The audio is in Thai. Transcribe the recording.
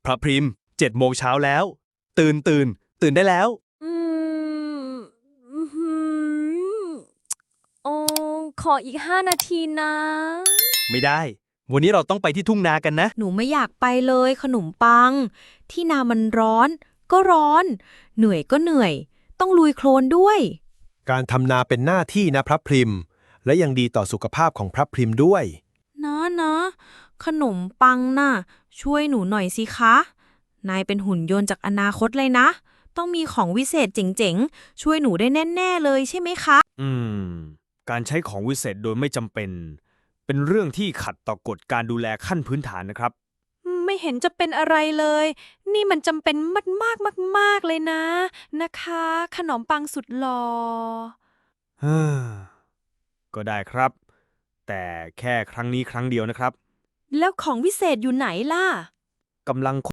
ระพริม7 โมงเช้าแล้ว ตื่นได้แล้วอืมอื้อหือโอ้ขออีก5 นาทีนะไม่ได้ วันนี้เราต้องไปที่ทุ่งนากันนะหนูไม่อยากไปเลยขนมปัง ที่นามันร้อน ก็ร้อน เหนื่อยก็เหนื่อย ต้องลุยโคลนด้วยการทำนาเป็นหน้าที่นะพระพริม และยังดีต่อสุขภาพของพระพริมด้วยนะขนมปังน่ะ ช่วยหนูหน่อยสิคะ นายเป็นหุ่นยนต์จากอนาคตเลยนะ ต้องมีของวิเศษเจ๋งๆ ช่วยหนูได้แน่ๆเลยใช่ไหมคะการใช้ของวิเศษโดยไม่จำเป็น เป็นเรื่องที่ขัดต่อกฎการดูแลขั้นพื้นฐานนะครับไม่เห็นจะเป็นอะไรเลย นี่มันจำเป็นมากเลยนะคะ ขนมปังสุดหล่อก็ได้ครับ แต่แค่ครั้งนี้ครั้งเดียวนะครับแล้วของวิเศษอยู่ไหนล่ะกำลัง